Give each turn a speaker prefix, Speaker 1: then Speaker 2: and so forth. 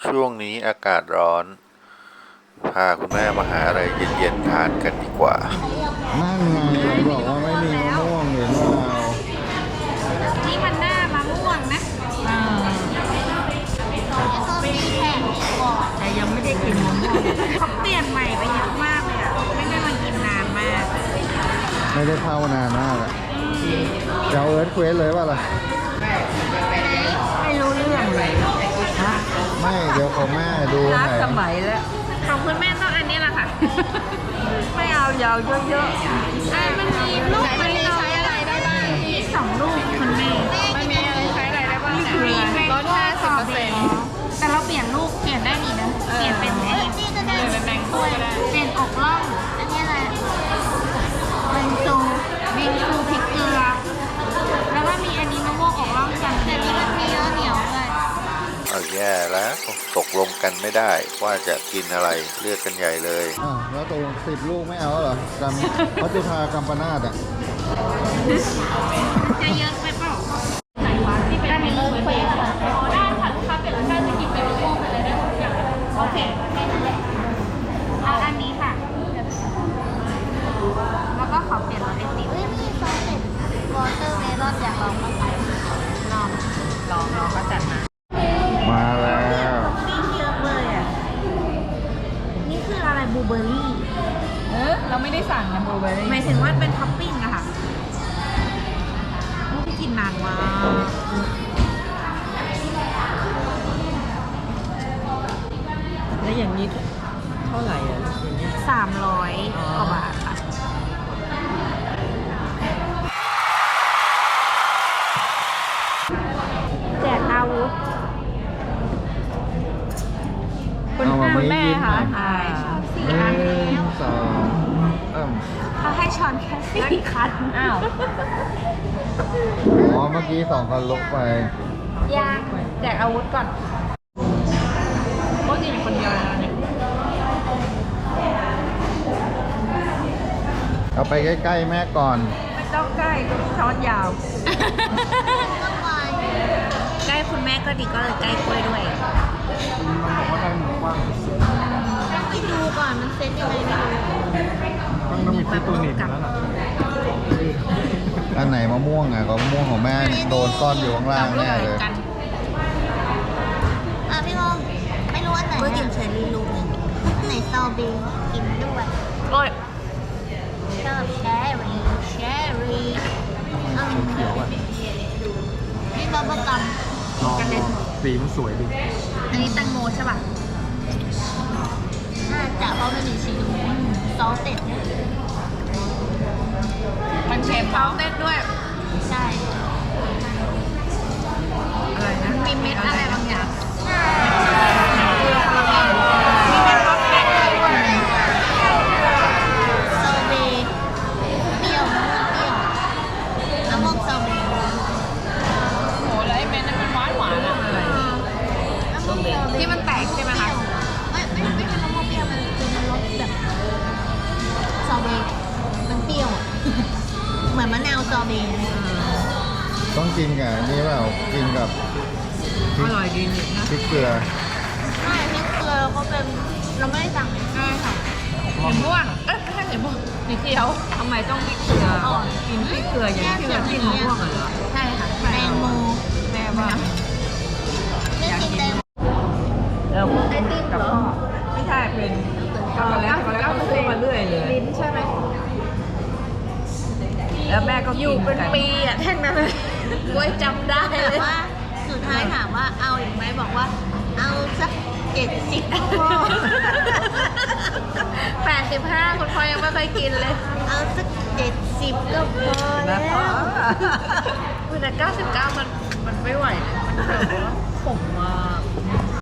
Speaker 1: ช่วงนี้อากาศร้อน พาคุณแม่มาหาอะไรเย็นๆทานกันดีกว่า
Speaker 2: นั่นไงบอกว่าไม่มีมะม่วงเห็นเปล่า
Speaker 3: นี่มันหน้ามะม่วงนะแต่ยังไม่ได้กินมะม่วงเขาเปลี่ยนใหม่ไปเยอะมากเลยอ่ะ ไม่ได้มากินนานมาก
Speaker 2: ไม่ได้เข้านานมากอะจะเอาเอิร์ธเควสเลยป่ะล่ะ
Speaker 3: ไม่รู้เรื่องเลยฮะ
Speaker 2: ไม่เดี๋ยวของแม่ดูห
Speaker 3: ล้า
Speaker 2: น่อย
Speaker 3: สมัยแล้วของคุณแม่ต้องอันนี้แหละค่ะ ไม่เอายาวเยอะๆมันมีลูกมันใช้อะไรได้บ้างมี2 ลูกคุณแม่มันมีอะไรใช้อะไรได้บ้างเนี่ยลด50%แต่เราเปลี่ยนลูกเปลี่ยนได้นี่นะเปลี่ยนเป็นเองเป็นแมงโก้ก็ได้เปลี่ยนอกล่องอันนี้อะไรบิงซูพริกเกลือแล้วก็มีอันนี้มะม่วงอกล่องกันแต่นี่มันมีเหนียวเลย
Speaker 1: เอาแย่แล้วตกลงกันไม่ได้ว่าจะกินอะไรเลือกกันใหญ่เลย
Speaker 2: อ้าวแล้วตกลง10 ลูกไม่เอาเหรอพัชพากัมปนาตอ่ะ
Speaker 3: จะเยอะไปเปล่าไหนวะที่เป็นเฟสได้ค่ะลูกค้าเปลี่ยนแล้วได้จะกินเป็นมะม่วงไปเลยได้ทุกอย่างโอเคเอาอันนี้ค่ะ แล้วก็ขอเปลี่ยนรสไอติมมีซอสเป็นวอเตอร์เมลอนอยากลองมั้ยลองก็จัดมา
Speaker 2: มาแล้ว
Speaker 3: ปิ้งเยอะเลยอ่ะ นี่คืออะไรบลูเบอร์รี่
Speaker 4: เราไม่ได้สั่งนะบลูเบอร์รี่
Speaker 3: หมายถึงว่าเป็นท็อปปิ้งอะค่ะที่กินนานมาก
Speaker 4: แล้วอย่างนี้เท่าไหร่อ่ะอย่างเงี้ย
Speaker 3: 300 กว่าบาทค่ะ แจกอาวุธ
Speaker 2: เอามาไม่ยิ้มหน่อย
Speaker 3: ใช่สี่
Speaker 2: หนึ่
Speaker 3: อันแล้ว
Speaker 2: งสอง
Speaker 3: เขาให้ช้อนแค่4 คัน
Speaker 4: อ้าว
Speaker 2: อ๋อเมื่อกี้2 คันลกไป
Speaker 3: ยางแจกอาวุธก่อน
Speaker 4: ก็กินคนเดียวแล้วเนี่ย
Speaker 2: เอาไปใกล้ๆแม่ก่อน
Speaker 4: ไม่ต้องใกล้ช้อนยาว
Speaker 3: ใกล้คุณแม่ก็ดีก็เลยใกล้กล้วยด้วย
Speaker 2: มันบอกว่าได้หมูกว้าง
Speaker 3: ต้องไปดูก่อนมันเซ็ตยังไงไม่รู้
Speaker 2: ต้องมีตัวหนีบแล้วล่ะอันไหนมะม่วงอ่ะก็มะม่วงของแม่โดนซ่อนอยู่ข้างล่างแน่เลย
Speaker 5: พี่งงไม่รู้อันไหน
Speaker 3: กล้วยกิ
Speaker 5: อะ
Speaker 3: นเชอร์รี่ลูกหนึง
Speaker 5: ไหนสตรอเบอรี่กินด้วย
Speaker 3: โอ้ย
Speaker 5: ชอบแชร์รี่เอาอันนี้
Speaker 2: เขียวอ่ะ
Speaker 5: นี่บับเบิ้ลกัม
Speaker 2: สีมันสวยดี
Speaker 3: อันนี้แตงโมใช่ป่ะ
Speaker 5: น่าจะเพราะมันมีชีสซอสเต็ด
Speaker 4: มันเชฟ
Speaker 3: เขาเต้นด้วย
Speaker 5: ใช่
Speaker 4: อะไรนะ
Speaker 3: มีเม็ดอะไรบางอย่าง
Speaker 5: มีเป็นรสแป้งด้วยสตรอเบอรี่เปรี้ยวมะม่วงสตรอเบอรี่
Speaker 4: โอ้แล้วไอ้เม็ดนั้นมันหวานอ่ะอะไร
Speaker 5: มะม่วงสตรอเบอรี่
Speaker 3: ที่มันแตกใช่ไหมคะ
Speaker 5: ไม่ใช่มะม่วงเปรี้ยวมันเป็นรสแบบสตรอเบอรี่มันเปรี้ยวอะเหมือนมะนาวสตรอเบอรี่
Speaker 2: ต้องกินกับอันนี่เปล่ากินกับพริ
Speaker 4: อก ร่อยดีนี่นะ
Speaker 2: พริกเกลือ
Speaker 5: ใช่พริกเกลือเขาเป็นเราไม่ได้สั่ง
Speaker 3: ใช่ค่ะ
Speaker 4: สีม่วงเอ๊ะไม่ใช่สีม่วงสีเขียวทำไมต้องพริกเกลือกินพริกเกลืออย่างที่เรากินมะม่วงเหรอ
Speaker 5: ใช่ค่ะแตงโม
Speaker 4: แม่ว่า
Speaker 5: เลือกกินแตงโม
Speaker 4: เราไอติมกับพ่อไม่ใช่เป็นช็อกโกแลตเขาซื้อมาเรื่อยเลย
Speaker 3: ลิ้นใช่ไหม
Speaker 4: แล้วแม่ก็กิน
Speaker 3: อยู่เป็น
Speaker 4: กัน
Speaker 3: ปีอ่ะแท่งนั้นเลยกล้วยจำได้
Speaker 5: แต่
Speaker 3: เลย
Speaker 5: ว่าสุดท้ายถามว่าเอาอีกไหมบอกว่าเอาสัก70พอ
Speaker 3: 85คุณพ่อยังไม่เคยกินเลย
Speaker 5: เอาสัก70ก็พอ
Speaker 4: นะ
Speaker 5: แล้ว
Speaker 4: พ่อ
Speaker 3: แต่99มันไม่ไหวนะมันแบบว่าขมมาก